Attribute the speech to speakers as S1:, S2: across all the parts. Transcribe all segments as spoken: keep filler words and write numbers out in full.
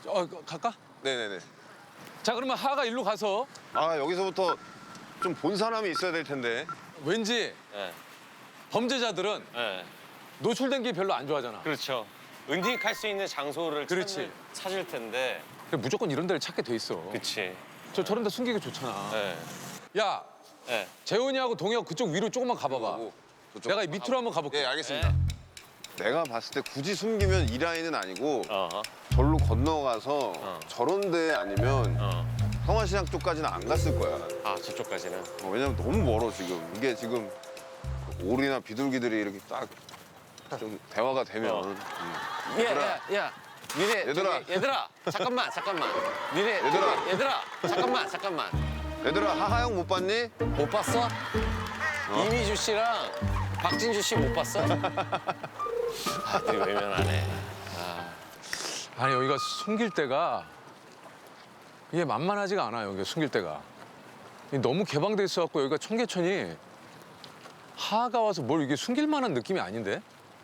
S1: 어, 갈까?
S2: 네네네.
S1: 자, 그러면 하가 일로 가서
S2: 아, 여기서부터 좀 본 사람이 있어야 될 텐데.
S1: 왠지
S3: 네.
S1: 범죄자들은
S3: 네.
S1: 노출된 게 별로 안 좋아하잖아.
S3: 그렇죠. 은닉할 수 있는 장소를
S1: 그렇지.
S3: 찾을, 찾을 텐데.
S1: 그래, 무조건 이런 데를 찾게 돼 있어.
S3: 그치.
S1: 저 저런 데 숨기기 좋잖아.
S3: 네.
S1: 야,
S3: 네.
S1: 재훈이하고 동혁 그쪽 위로 조금만 가봐봐.
S2: 하고 저쪽.
S1: 내가 이 밑으로 한번 가볼게.
S2: 예, 알겠습니다. 내가 봤을 때 굳이 숨기면 이 라인은 아니고
S3: 어허.
S2: 절로 건너가서
S3: 어.
S2: 저런 데 아니면
S3: 어.
S2: 성화시장 쪽까지는 안 갔을 거야.
S3: 아, 저쪽까지는.
S2: 어, 왜냐면 너무 멀어 지금. 이게 지금 오리나 비둘기들이 이렇게 딱 좀 대화가 되면.
S3: 어.
S2: 음.
S3: 야, 야, 야. 니네.
S2: 얘들아.
S3: 저기, 얘들아. 잠깐만, 잠깐만. 니네.
S2: 얘들아.
S3: 저기, 얘들아. 잠깐만, 잠깐만.
S2: 얘들아, 하하영 못 봤니?
S3: 못 봤어? 이미주 씨랑 박진주 씨 못 봤어? 아, 되게 외면하네.
S1: 아니, 여기가 숨길 데가 이게 만만하지가 않아요. 여기 숨길 데가. 이게 너무 개방돼 있어갖고 여기가 청계천이 하가 와서 뭘 이게 숨길 만한 느낌이 아닌데?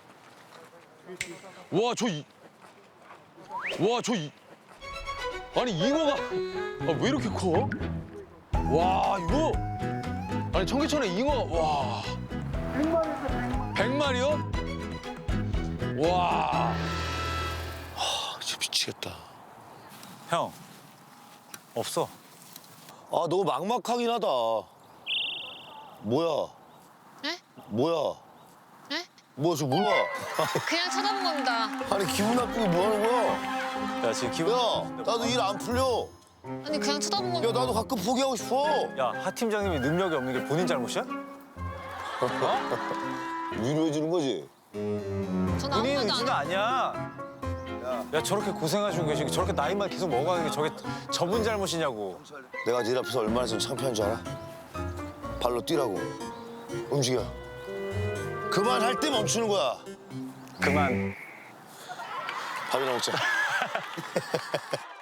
S1: 와, 저 이... 와, 저 이... 아니, 잉어가 아, 왜 이렇게 커? 와, 이거 아니, 청계천에 잉어가 와. 백 마리요? 와.
S4: 진짜 미치겠다.
S5: 형, 없어.
S4: 아, 너무 막막하긴 하다. 뭐야?
S6: 네?
S4: 뭐야?
S6: 네?
S4: 뭐야, 저 뭐야?
S6: 그냥 쳐다본 겁니다.
S4: 아니, 기분 나쁘게 뭐 하는 거야?
S5: 야, 지금 기분.
S4: 야, 나도 일 안 풀려.
S6: 아니 그냥 쳐다본
S4: 야,
S6: 겁니다.
S4: 나도 가끔 포기하고 싶어.
S5: 야, 하 팀장님이 능력이 없는 게 본인 잘못이야?
S4: 위로해주는 거지?
S6: 전 아무
S5: 본인
S6: 말도 안
S5: 의지가
S6: 해요.
S5: 아니야. 야, 저렇게 고생하시고 계시고 저렇게 나이만 계속 먹어가는 게 저게 저분 잘못이냐고.
S4: 내가 네 앞에서 얼마나 좀 창피한 줄 알아? 발로 뛰라고. 움직여. 그만할 때 멈추는 거야.
S5: 그만.
S4: 밥이나 먹자.